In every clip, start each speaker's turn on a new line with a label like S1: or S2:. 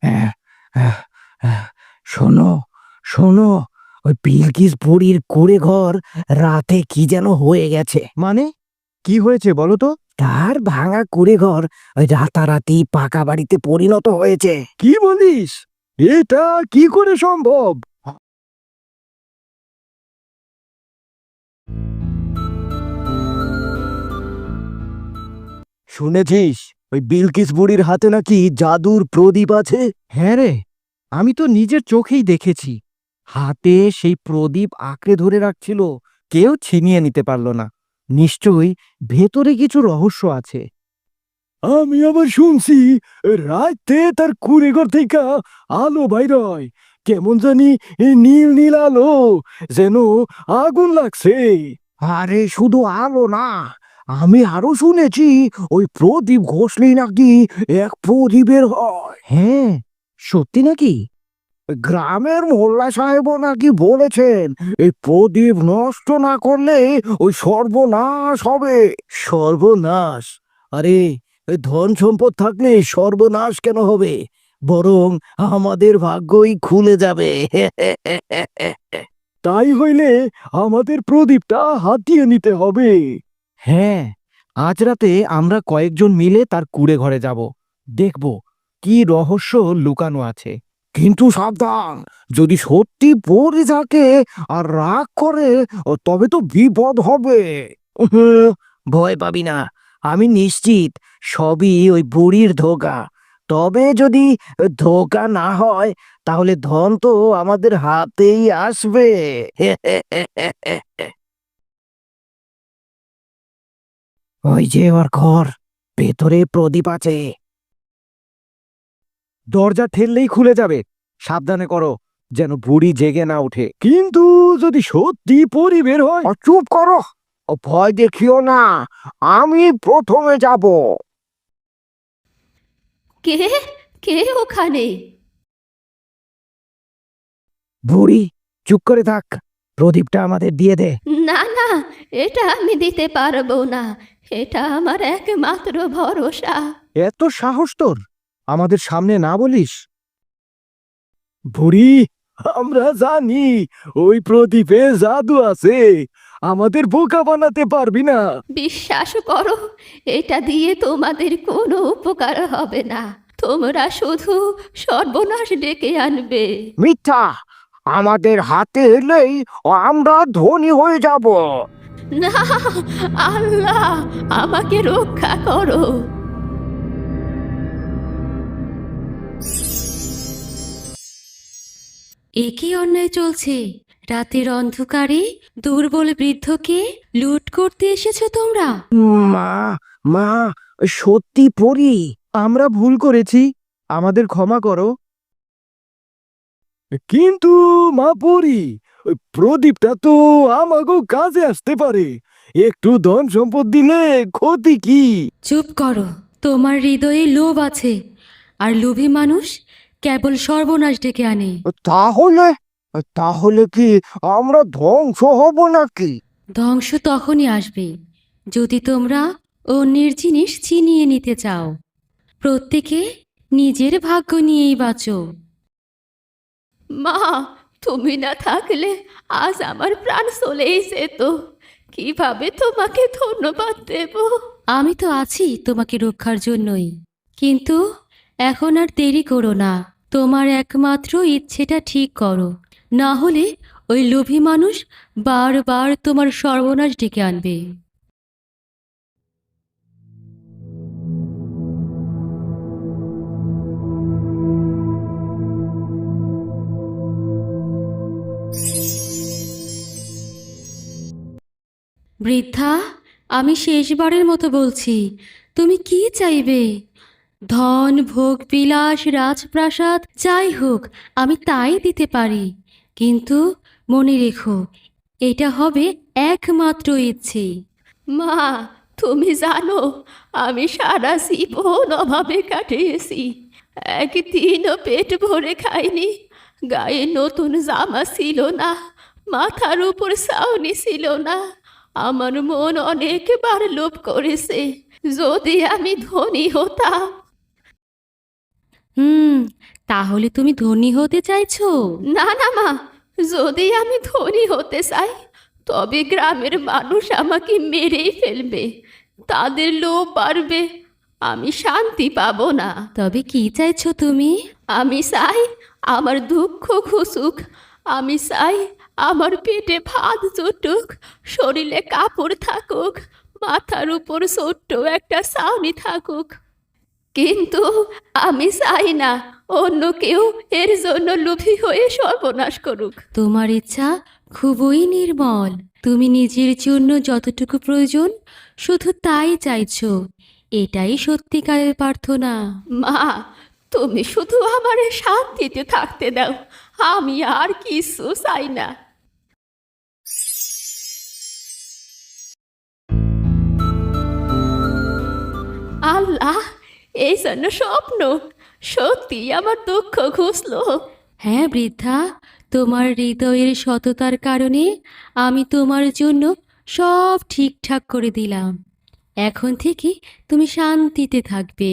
S1: আহ, আহ, আহ, শোনো শোনো, ওই বিলকিস বুড়ির কুঁড়ে ঘর রাতে কি যেন হয়ে গেছে।
S2: মানে কি হয়েছে বলো তো?
S1: তার ভাঙা কুঁড়ে ঘর ওই রাতারাতি পাকা বাড়িতে পরিণত হয়েছে।
S2: কি বলিস? এটা কি করে সম্ভব? শুনেছিস ওই বিলকিস বুড়ির হাতে নাকি জাদুর প্রদীপ আছে? হ্যাঁ রে, আমি তো নিজের চোখেই দেখেছি। হাতে সেই প্রদীপ আঁকড়ে ধরে রাখছিল, কেউ ছিনিয়ে নিতে পারল না। নিশ্চয়ই ভেতরে কিছু রহস্য আছে। আমি আবার শুনছি রাতে তার কুঁড়েঘর থেকে আলো বাইরয়, কেমন জানি নীল নীল আলো, যেন আগুন লাগছে।
S1: আরে শুধু আলো না, আমি আরো শুনেছি ওই প্রদীপ ঘষলেই নাকি এক প্রদীপের হয়।
S2: হ্যাঁ, সত্যি নাকি?
S1: গ্রামের মোল্লা সাহেবও নাকি বলেছেন এই প্রদীপ নষ্ট না করলে ওই সর্বনাশ হবে।
S2: সর্বনাশ? আরে, ওই ধন সম্পদ থাকলে সর্বনাশ কেন হবে? বরং আমাদের ভাগ্যই খুলে যাবে। তাই হইলে আমাদের প্রদীপটা হাতিয়ে নিতে হবে। হ্যাঁ, আজ রাতে আমরা কয়েকজন মিলে তার কুঁড়ে ঘরে যাব, দেখব কি রহস্য লুকানো আছে।
S1: কিন্তু সাবধান, যদি সত্যি পড়ে থাকে আর রাগ করে তবে তো বিপদ হবে।
S2: ভয় পাবি না, আমি নিশ্চিত সবই ওই বুড়ির ধোঁকা। তবে যদি ধোঁকা না হয়, তাহলে ধন তো আমাদের হাতেই আসবে।
S1: ওই যে ওর ঘর, ভেতরে প্রদীপ আছে।
S2: দরজা ঠেললেই খুলে যাবে, সাবধানে করো যেন বুড়ি জেগে না ওঠে। কিন্তু যদি সত্যি পরি বের হয়?
S1: চুপ করো, ভয় দেখিও না, আমি প্রথমে যাব।
S3: কে কে ওখানে?
S1: বুড়ি, চুপ করে থাক, প্রদীপটা আমাদের দিয়ে দে।
S3: না না, এটা আমি দিতে পারবো না। এটা আমার একমাত্র ভরসা।
S2: এত সাহস তোর, আমাদের সামনে না বলিস? বুড়ি, আমরা জানি ওই প্রদীপে জাদু আছে, আমাদের বোকা বানাতে পারবি না।
S3: বিশ্বাস করো, এটা দিয়ে তোমাদের কোনো উপকার হবে না। তোমরা শুধু সর্বনাশ ডেকে আনবে।
S1: মিথ্যা, আমাদের হাতে এলেই আমরা ধনী হয়ে যাব।
S3: না, আল্লাহ আমাকে রক্ষা করো। এ কি অন্যায় চলছে? রাতের অন্ধকারে দুর্বল বৃদ্ধকে লুট করতে এসেছো তোমরা?
S1: মা, মা, সত্যি পড়ি।
S2: আমরা ভুল করেছি, আমাদের ক্ষমা করো। কিন্তু মা পরি, ওই প্রদীপটা তো আমাকেও কাজে আসতে পারে। একটু ধন সম্পদ দিলে ক্ষতি কি?
S3: চুপ করো, তোমার হৃদয়ে লোভ আছে, আর লোভী মানুষ কেবল সর্বনাশ ডেকে আনে।
S1: তাহলে তাহলে কি আমরা ধ্বংস হব নাকি?
S3: ধ্বংস তখনই আসবে যদি তোমরা অন্যের জিনিস ছিনিয়ে নিতে চাও। প্রত্যেকে নিজের ভাগ্য নিয়েই বাঁচো। মা, তুমি না থাকলে আজ আমার প্রাণ চলেই যেত। কিভাবে তোমাকে ধন্যবাদ দেব? আমি তো আছি তোমাকে রক্ষার জন্যই। কিন্তু এখন আর দেরি করো না, তোমার একমাত্র ইচ্ছেটা ঠিক করো, না হলে ওই লোভী মানুষ বারবার তোমার সর্বনাশ ডেকে আনবে। বৃদ্ধা, আমি শেষবারের মতো বলছি, তুমি কি চাইবে? ধন, ভোগ, বিলাস, রাজপ্রাসাদ যাই হোক, আমি তাই দিতে পারি। কিন্তু মনে রেখো, এটা হবে একমাত্র ইচ্ছে। মা, তুমি জানো আমি সারা জীবন অভাবে কাটিয়েছি। একদিনও পেট ভরে খাইনি। গায়ে নতুন জামা ছিল না, মাথার উপর ছাউনি ছিল না। আমার মন অনেকবার লোভ করেছে, যদি আমি ধনী হতাম। হুম, তাহলে তুমি ধনী হতে চাইছো? না না মা, যদি আমি ধনী হতে চাই তবে গ্রামের মানুষ আমাকে মেরেই ফেলবে, তাদের লোভ বাড়বে, আমি শান্তি পাবো না। তবে কি চাইছো তুমি? আমি চাই আমার দুঃখ ঘুচুক, আমি চাই আমার পেটে ভাত জুটুক, শরীরে কাপড় থাকুক, মাথার উপর ছোট্ট একটা ছাউনি থাকুক। কিন্তু আমি চাই না অন্য কেউ এর জন্য লোভী হয়ে সর্বনাশ করুক। তোমার ইচ্ছা খুবই নির্মল। তুমি নিজের জন্য যতটুকু প্রয়োজন শুধু তাই চাইছো, এটাই সত্যিকারের প্রার্থনা। মা, তুমি শুধু আমারে শান্তিতে থাকতে দাও, আমি আর কিছু চাই না। আল্লাহ, এই জন্য স্বপ্ন, সত্যি আমার দুঃখ ঘুচলো। হ্যাঁ বৃদ্ধা, তোমার হৃদয়ের সততার কারণে আমি তোমার জন্য সব ঠিকঠাক করে দিলাম। এখন থেকে তুমি শান্তিতে থাকবে।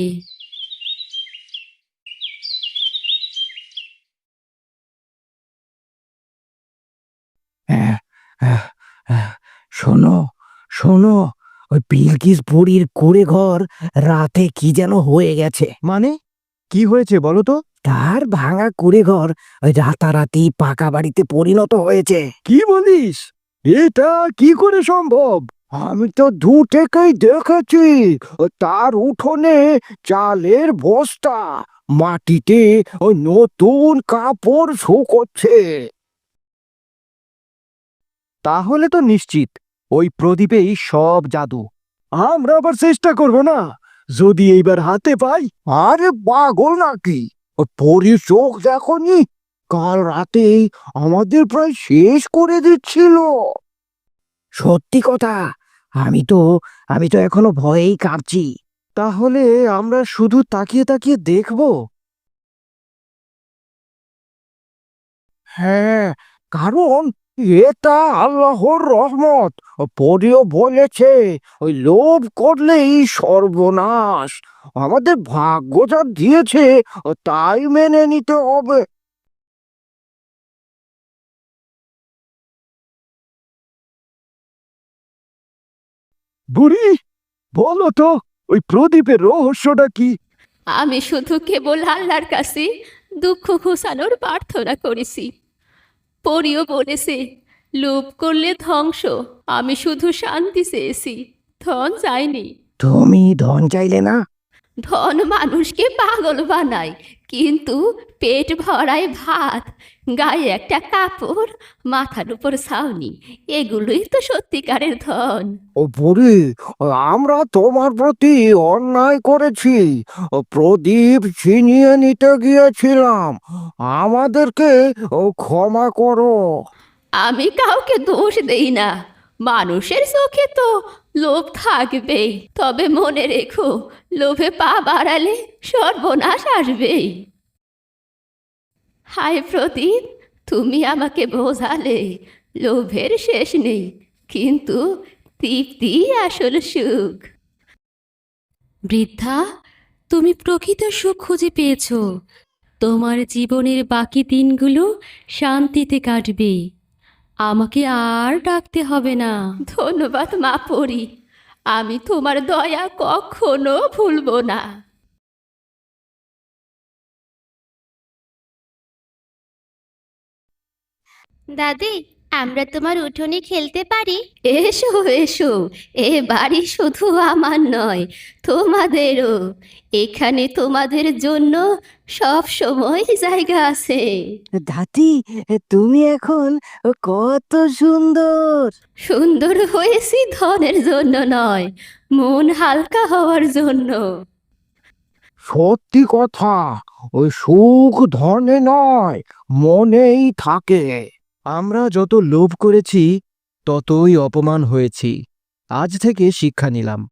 S1: আহ, আহ, আহ, শোনো, শোনো, ওই বিলকিস বুড়ির কুঁড়ে ঘর রাতে কি যেন হয়ে গেছে।
S2: মানে কি হয়েছে বলো তো?
S1: তার ভাঙা কুঁড়ে ঘর ওই রাতারাতি পাকা বাড়িতে পরিণত হয়েছে।
S2: কি বলিস? এটা কি করে সম্ভব? আমি তো দু থেকেই দেখেছি। তার উঠোনে চালের বস্তা, মাটিতে ওই নতুন কাপড় শুকোচ্ছে। তাহলে তো নিশ্চিত ওই প্রদীপেই সব জাদু। আমরা আবার চেষ্টা করব না? যদি এইবার হাতে পাই। আরে পাগল নাকি? ওই পরীর চোখ দেখনি? কাল রাতেই আমাদের প্রায় শেষ করে দিচ্ছিল।
S1: সত্যি কথা, আমি তো এখনো ভয়েই কাঁপছি।
S2: তাহলে আমরা শুধু তাকিয়ে তাকিয়ে দেখব?
S1: হ্যাঁ, কারণ এটা আল্লাহর রহমত। পরিও বলেছে ওই লোভ করলেই সর্বনাশ। আমাদের ভাগ্য যা দিয়েছে তাই মেনে নিতে হবে।
S2: বুড়ি, বলো তো ওই প্রদীপের রহস্যটা কি?
S3: আমি শুধু কেবল আল্লাহর কাছে দুঃখ ঘোচানোর প্রার্থনা করেছি। পরিও বলেছে লোভ করলে ধ্বংস, আমি শুধু শান্তি চেয়েছি, ধন চাইনি।
S1: তুমি ধন চাইলে না?
S3: ধন মানুষকে পাগল বানায়, কিন্তু পেট ভরায় ভাত, গায়ে একটা কাপড়, মাথার উপর ছাউনি, এগুলোই তো সত্যিকারের ধন।
S1: ও বুড়ি, আমরা তোমার প্রতি অন্যায় করেছি। প্রদীপ ছিনিয়ে নিতে গিয়েছিলাম, আমাদেরকে ক্ষমা করো।
S3: আমি কাউকে দোষ দেই না, মানুষের চোখে তো লোভ থাকবেই, তবে মনে রেখো লোভে পা বাড়ালে সর্বনাশ আসবেই। হায় প্রদীপ, তুমি আমাকে বোঝালে লোভের শেষ নেই, কিন্তু তৃপ্তি আসল সুখ। বৃদ্ধা, তুমি প্রকৃত সুখ খুঁজে পেয়েছো। তোমার জীবনের বাকি দিনগুলো শান্তিতে কাটবে, আমাকে আর ডাকতে হবে না। ধন্যবাদ মা পরি, আমি তোমার দয়া কখনো ভুলবো না।
S4: দাদি, আমরা তোমার উঠোনে খেলতে পারি?
S3: এসো এসো, এ বাড়ি শুধু আমার নয়, তোমাদেরও। এখানে তোমাদের জন্য সব সময় জায়গা আছে।
S1: দাদি, তুমি এখন কত সুন্দর।
S3: সুন্দর হয়েছি ধনের জন্য নয়, মন হালকা হওয়ার জন্য।
S1: সত্যি কথা, ওই সুখ ধনে নয়, মনেই থাকে।
S2: আমরা যত লোভ করেছি ততই অপমান হয়েছি। আজ থেকে শিক্ষা নিলাম,